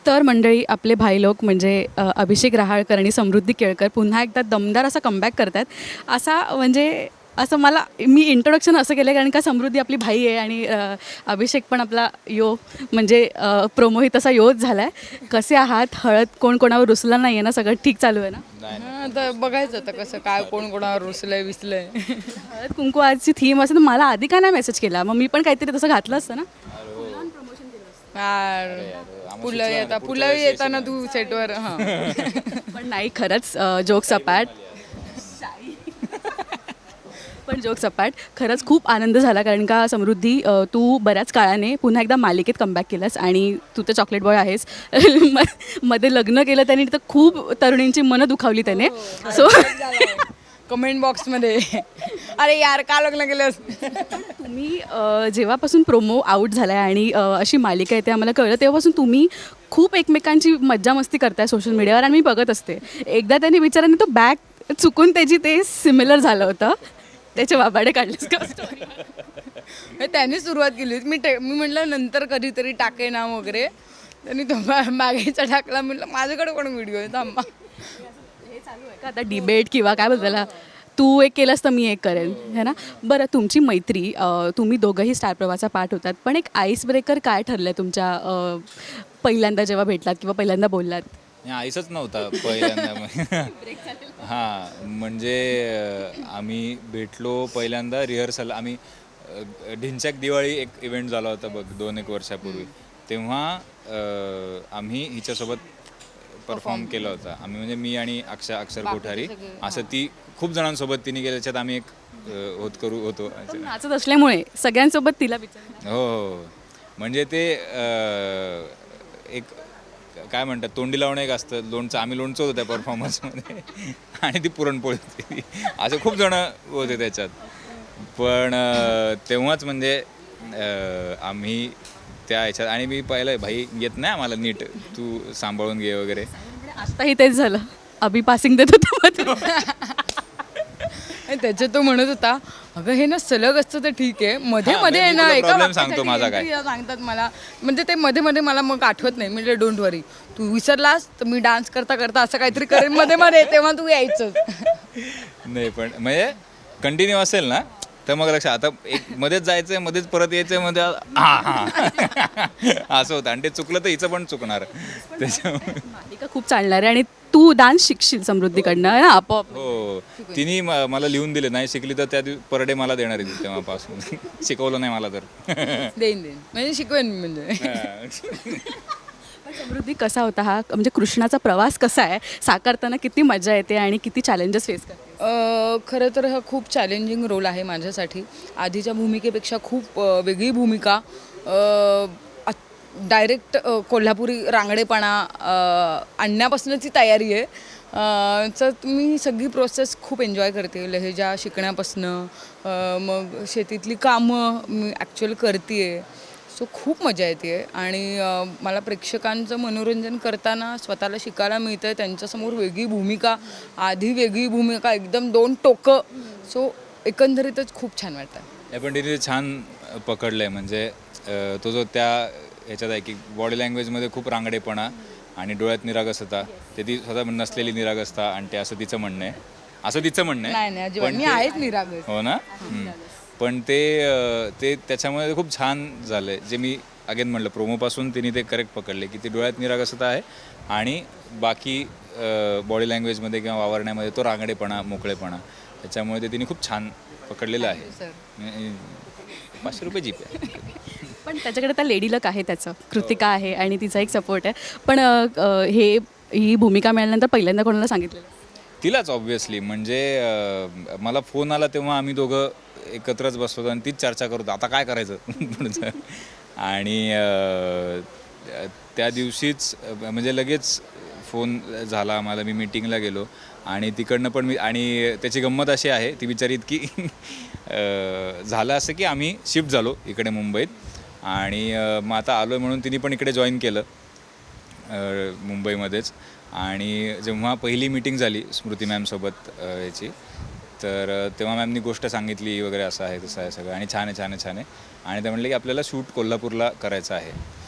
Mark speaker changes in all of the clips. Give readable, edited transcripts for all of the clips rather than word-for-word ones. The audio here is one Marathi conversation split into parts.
Speaker 1: तर मंडळी, आपले भाई लोक म्हणजे अभिषेक रहाळकर आणि समृद्धी केळकर पुन्हा एकदा दमदार असा कमबॅक करतात. असा म्हणजे असं मी इंट्रोडक्शन असं केलं कारण का समृद्धी आपली भाई आहे आणि अभिषेक पण आपला म्हणजे प्रोमोही तसा योच झाला आहे. कसे आहात? हळद कोण कोणावर रुसला नाही आहे ना? सगळं ठीक चालू आहे ना?
Speaker 2: तर बघायचं आता कसं काय कोण कोणावर रुसलंय विसलंय.
Speaker 1: हळद कुंकू आजची थीम असं तर मला आधी का नाही मेसेज केला? मग मी पण काहीतरी तसं घातलं असतं ना.
Speaker 2: पुलावी येताना तू सेटवर
Speaker 1: पण नाही, खरंच जोक्स अपार्ट. पण जोक्स अपार्ट, खरंच खूप आनंद झाला कारण का समृद्धी, तू बऱ्याच काळाने पुन्हा एकदा मालिकेत कमबॅक केलंस आणि तू तर चॉकलेट बॉय आहेस. मध्ये लग्न केलं त्याने तर खूप तरुणींची मनं दुखावली त्याने. सो
Speaker 2: कमेंट बॉक्समध्ये अरे यार का लग्न केलंस.
Speaker 1: तुम्ही जेव्हापासून प्रोमो आऊट झाला आहे आणि अशी मालिका आहे ते आम्हाला कळलं, तेव्हापासून तुम्ही खूप एकमेकांची मज्जा मस्ती करताय सोशल मीडियावर आणि मी बघत असते. एकदा त्याने विचाराने तो बॅग चुकून त्याची ते सिमिलर झालं होतं, त्याचे बाबाडे काढलेस का स्टोरी?
Speaker 2: त्याने सुरुवात केली होती. मी म्हटलं नंतर कधीतरी टाके ना वगैरे. त्यांनी तो मागेचा टाकला. म्हटलं माझ्याकडे कोण व्हिडिओ आहे थांबा.
Speaker 1: हे चालू आहे का आता डिबेट किंवा काय बोलताला, तू एक केलंस तर मी एक करेन, है ना? बरं, तुमची मैत्री, तुम्ही दोघंही स्टार प्रवाहाचा पार्ट होतात, पण एक आईस ब्रेकर काय ठरलं आहे तुमच्या पहिल्यांदा जेव्हा भेटलात किंवा पहिल्यांदा बोललात?
Speaker 3: आईसच नव्हता पहिल्यांदा. हां, म्हणजे आम्ही भेटलो पहिल्यांदा रिहर्सल. आम्ही ढिंच्याक दिवाळी एक इव्हेंट झाला होता बघ 2-1 वर्षापूर्वी. तेव्हा आम्ही हिच्यासोबत परफॉर्म केला होता. आम्ही म्हणजे मी आणि अक्षर कोठारी असं ती खूप जणांसोबत तिने केलं. त्याच्यात आम्ही एक होतो.
Speaker 1: पण नाचत असल्यामुळे सगळ्यांसोबत तिला विचार.
Speaker 3: हो, म्हणजे ते एक काय म्हणतात, तोंडी लावणं एक असतं. लोणचं, आम्ही लोणचं होतो त्या परफॉर्मन्समध्ये आणि ती पुरणपोळी होती. असे खूप जणं होते त्याच्यात. पण तेव्हाच म्हणजे आम्ही त्या ह्याच्यात, आणि मी पाहिलं भाई येत नाही आम्हाला नीट, तू सांभाळून घे वगैरे.
Speaker 1: आत्ताही तेच झालं, अभि पासिंग देत होतं.
Speaker 2: त्याच्यात तो म्हणत होता अगं हे ना सलग असतं तर ठीक आहे, मध्ये मध्ये आहे ना एका
Speaker 3: प्रॉब्लेम सांगतो माझा काय.
Speaker 2: सांगतात मला, म्हणजे ते मध्ये मध्ये मला मग आठवत नाही. म्हणजे डोंट वरी, तू विसरलास तर मी डान्स करता करता असं काहीतरी करेन मध्ये मध्ये, तेव्हा तू यायचं.
Speaker 3: नाही पण म्हणजे कंटिन्यू असेल ना तर मग लक्षात. आता एक मध्येच जायचंय, मध्येच परत यायचंय, मध्ये असं होतं. आणि ते चुकलं तर हिचं पण चुकणार त्याच्यामुळे.
Speaker 1: मालिका खूप चालणार आहे आणि तू डान्स शिकशील समृद्धीकडनं ना आपोआप.
Speaker 3: हो, तिने मला लिहून दिले, नाही शिकली तर त्या पर डे मला देणार आहे तेव्हापासून. शिकवलं नाही मला तर.
Speaker 2: देईन म्हणजे शिकवेन मी म्हणजे.
Speaker 1: पण समृद्धी, कसा होता हा म्हणजे कृष्णाचा प्रवास कसा आहे, साकारताना किती मजा येते आणि किती चॅलेंजेस फेस करते?
Speaker 2: खरं तर हा खूप चॅलेंजिंग रोल आहे माझ्यासाठी. आधीच्या भूमिकेपेक्षा खूप वेगळी भूमिका. डायरेक्ट कोल्हापुरी रांगडेपणा आणण्यापासूनची तयारी आहे. तर मी सगळी प्रोसेस खूप एन्जॉय करते. लहेजा शिकण्यापासनं मग शेतीतली कामं मी ॲक्च्युअल करते आहे. सो खूप मजा येते आहे आणि मला प्रेक्षकांचं मनोरंजन करताना स्वतःला शिकायला मिळतं आहे. त्यांच्यासमोर वेगळी भूमिका, आधी वेगळी भूमिका, एकदम 2 टोकं. सो एकंदरीतच खूप छान वाटतं.
Speaker 3: पण तिने छान पकडलं आहे. म्हणजे तो जो त्या ह्याच्यात आहे की बॉडी लँग्वेजमध्ये खूप रांगडेपणा आणि डोळ्यात निरागसता, ते ती स्वतः नसलेली निरागसता, आणि ते असं तिचं म्हणणं आहे.
Speaker 2: नाही अजिबात, मी आहेच निरागस.
Speaker 3: हो ना. पण ते त्याच्यामुळे खूप छान झालं आहे. जे मी अगेन म्हटलं, प्रोमोपासून तिने ते करेक्ट पकडले की ती डोळ्यात निरागसता आहे आणि बाकी बॉडी लँग्वेजमध्ये किंवा वावरण्यामध्ये तो रांगडेपणा, मोकळेपणा, त्याच्यामुळे ते तिने खूप छान पकडलेलं आहे. 500 रुपये जीप आहे.
Speaker 1: पण त्याच्याकडे त्या लेडी लक आहे, त्याचं कृतिका आहे आणि तिचा एक सपोर्ट आहे. पण ही भूमिका मिळाल्यानंतर पहिल्यांदा कोणाला सांगितलेलं?
Speaker 3: तिलाच ऑब्व्हियसली. म्हणजे मला फोन आला तेव्हा आम्ही दोघं एकत्रच बसवतो आणि तीच चर्चा करतो आता काय करायचं पुढचं. आणि त्या दिवशीच म्हणजे लगेच फोन झाला आम्हाला. मी मीटिंगला गेलो आणि तिकडनं पण आणि त्याची गंमत अशी आहे, ती बिचारी इतकी झालं असं की आम्ही शिफ्ट झालो इकडे मुंबईत आणि मग आता आलो आहे म्हणून तिने पण इकडे जॉईन केलं मुंबईमध्येच. आणि जेव्हा पहिली मीटिंग झाली स्मृती मॅमसोबत याची, तर तेव्हा मॅमनी गोष्ट सांगितली वगैरे, असं आहे तसं आहे सगळं, आणि छान आहे. आणि ते म्हणले की आपल्याला शूट कोल्हापूरला करायचं आहे.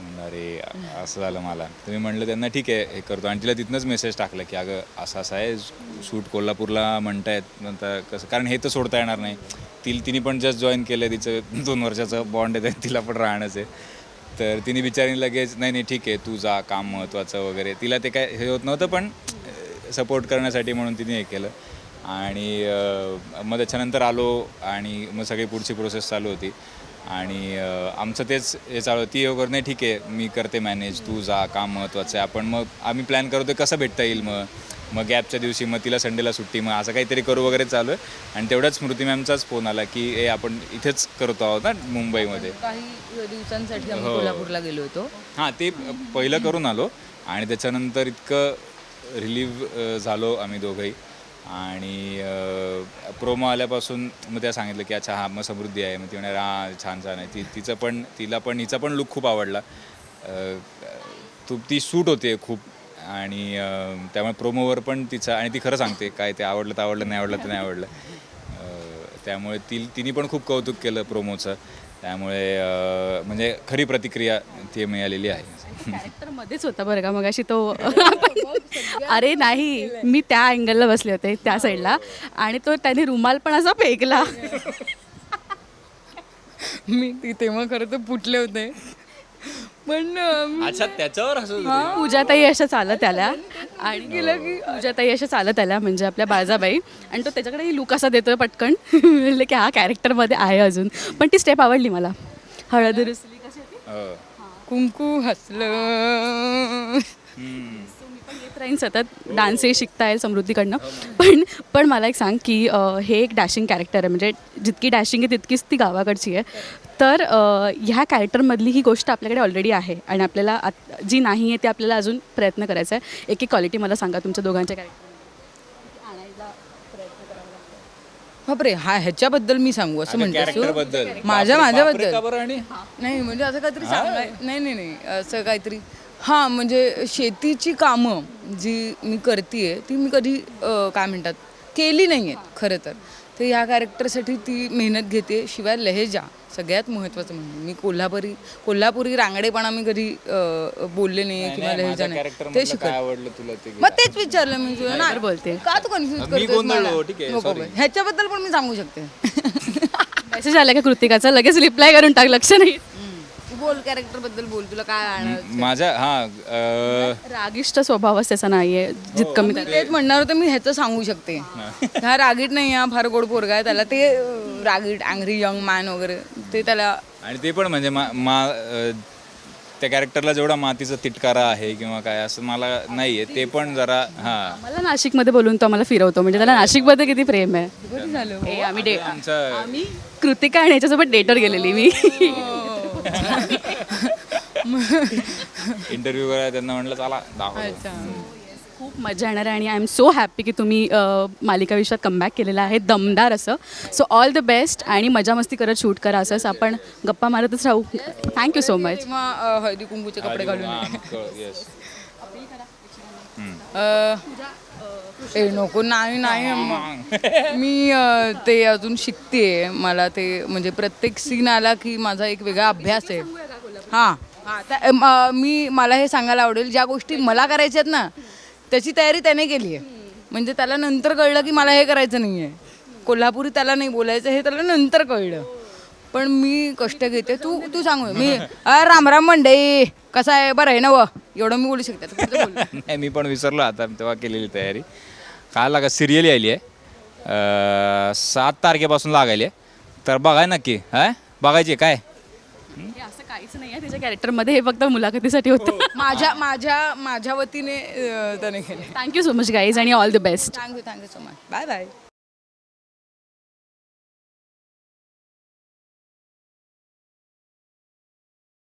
Speaker 3: म्हणलं अरे असं झालं मला. तर मी म्हणलं त्यांना ठीक आहे हे करतो आणि तिला तिथनंच मेसेज टाकला की अगं असं असं आहे शूट कोल्हापूरला म्हणतायत नंतर कसं कारण हे तर सोडता येणार नाही. तिने पण जस्ट जॉईन केलं तिचं 2 वर्षाचं बॉन्ड आहे तिला पण राहणंच आहे. तर तिने बिचारीने लगेच नाही नाही ठीक आहे तू जा काम महत्त्वाचं वगैरे तिला ते काय हे होत नव्हतं पण सपोर्ट करण्यासाठी म्हणून तिने हे केलं. आणि मग त्याच्यानंतर आलो आणि मग सगळी पुढची प्रोसेस चालू होती आणि आमचं तेच हे चालू ती वगैरे नाही ठीक आहे मी करते मॅनेज तू जा काम महत्त्वाचं आहे. आपण मग आम्ही प्लॅन करतो कसं भेटता येईल मग गॅपच्या दिवशी मग तिला संडेला सुट्टी मग असं काहीतरी करू वगैरे चालू आहे. आणि तेवढ्याच स्मृती मॅमचाच फोन आला की ए आपण इथेच करतो आहोत ना मुंबईमध्ये.
Speaker 2: काही दिवसांसाठी आम्ही कोल्हापूरला गेलो होतो.
Speaker 3: हां ते पहिलं करून आलो आणि त्याच्यानंतर इतकं रिलीव्ह झालो आम्ही दोघंही. आणि प्रोमो आल्यापासून मग त्या सांगितलं की अच्छा हा मग समृद्धी आहे. मग ती म्हणणार हां छान छान आहे. तिला पण हिचा पण लुक खूप आवडला. ती सूट होते खूप आणि त्यामुळे प्रोमोवर पण तिचा आणि ती खरं सांगते काय ते आवडलं तर आवडलं नाही आवडलं तर नाही आवडलं. त्यामुळे तिने पण खूप कौतुक केलं प्रोमोचं. त्यामुळे म्हणजे खरी प्रतिक्रिया ती मिळालेली आहे.
Speaker 1: कॅरेक्टरमध्येच होता बरं का मगाशी तो अरे नाही मी त्या अँगलला बसले होते त्या साईडला आणि तो त्याने रुमाल पण असा फेकला.
Speaker 2: मी तेव्हा खरं तर फुटले होते पण
Speaker 3: अच्छा त्याच्यावर असं
Speaker 1: पूजाताई अशा चालत आल्या आणि गेलं की पूजाताई अशा चालत आल्या म्हणजे आपल्या बाळजाबाई आणि तो त्याच्याकडे लुक असा देतोय पटकन म्हणलं की हा कॅरेक्टरमध्ये आहे अजून. पण ती स्टेप आवडली मला हळद रुसली कशी होती
Speaker 2: कुंकू हसलं.
Speaker 1: मी पण येत राहीन सतत डान्सही शिकता येईल समृद्धीकडनं. पण मला एक सांग की हे एक डॅशिंग कॅरेक्टर आहे म्हणजे जितकी डॅशिंग आहे तितकीच ती गावाकडची आहे. तर ह्या कॅरेक्टरमधली ही गोष्ट आपल्याकडे ऑलरेडी आहे आणि आपल्याला जी नाही आहे ती आपल्याला अजून प्रयत्न करायचा आहे. एक क्वालिटी मला सांगा तुमच्या दोघांच्या कॅरेक्टर आणायला प्रयत्न करावा लागतो.
Speaker 2: बापरे ह्याच्याबद्दल मी सांगू असं
Speaker 3: कॅरेक्टरबद्दल
Speaker 2: म्हणतो माझ्याबद्दल
Speaker 3: आणि
Speaker 2: नाही म्हणजे असं काहीतरी सांगाय नाही असं काहीतरी हां म्हणजे शेतीची कामं जी मी करते ती मी कधी काय म्हणतात केली नाही आहेत खरं तर. तर ह्या कॅरेक्टरसाठी ती मेहनत घेते. शिवाय लहेजा सगळ्यात महत्त्वाचं म्हणजे मी कोल्हापुरी रांगडेपणा मी कधी बोलले नाही किंवा लहेजा नाही ते शिकत.
Speaker 3: आवडलं तुला ते
Speaker 2: मग तेच विचारलं मी तुला ना
Speaker 1: बोलते
Speaker 2: का तू कन्फ्युज करतोस ह्याच्याबद्दल पण मी सांगू शकते.
Speaker 1: मेसेज आला का कृतिकाचा लगेच रिप्लाय करून टाक लक्ष नाही.
Speaker 2: तू बोल कॅरेक्टर बद्दल बोल तुला काय आणायचं.
Speaker 3: माझ्या
Speaker 1: रागिष्ट स्वभावच त्याचा नाहीये जितकं मी
Speaker 2: मी तेच म्हणणार होतं मी ह्याचं सांगू शकते. हा रागीट नाही हा फार गोड पोरगा आहे. त्याला ते रागीट अँग्री यंग मॅन वगैरे ते त्याला
Speaker 3: आणि ते पण म्हणजे त्या कॅरेक्टरला जेवढा मातीचा तिटकारा आहे किंवा काय असं मला नाही आहे ते पण जरा हां
Speaker 1: मला नाशिकमध्ये बोलून तो आम्हाला फिरवतो म्हणजे त्याला नाशिकमध्ये किती प्रेम आहे.
Speaker 2: झालं
Speaker 1: हे आम्ही
Speaker 3: आमचं
Speaker 1: आम्ही कृतिका आणि याच्यासोबत डेटवर गेलेली मी
Speaker 3: इंटरव्ह्यू करायला त्यांना म्हटलं चला दाखव.
Speaker 1: खूप मजा येणार आहे आणि आय एम सो हॅपी की तुम्ही मालिका विश्वात कमबॅक केलेला आहे दमदार असं. सो ऑल द बेस्ट आणि मजा मस्ती करत शूट करा असंच आपण गप्पा मारतच राहू. Thank you so much.
Speaker 2: किंवा हळदी कुंकूचे कपडे घालून
Speaker 3: येस
Speaker 2: नको नाही मी ते अजून शिकते. मला ते म्हणजे प्रत्येक सीन आला की माझा एक वेगळा अभ्यास आहे. हां मला हे सांगायला आवडेल ज्या गोष्टी मला करायच्या आहेत ना त्याची तयारी त्याने केली आहे. म्हणजे त्याला नंतर कळलं की मला हे करायचं नाही आहे. कोल्हापुरी त्याला नाही बोलायचं हे त्याला नंतर कळलं. पण मी कष्ट घेते. तू सांगू मी राम राम मंडई कसं आहे बरं आहे ना व एवढं मी बोलू शकते.
Speaker 3: नाही मी पण विसरलो आता तेव्हा केलेली तयारी. काय लागा सिरियल आली आहे 7 तारखेपासून लागायली आहे तर बघाय नक्की बघायची काय
Speaker 1: असं काहीच नाही आहे त्याच्या कॅरेक्टरमध्ये हे फक्त मुलाखतीसाठी होतं.
Speaker 2: माझ्या वतीने त्याने केले.
Speaker 1: थँक्यू सो मच गाईज आणि all the best.
Speaker 2: Thank you so much. Bye bye.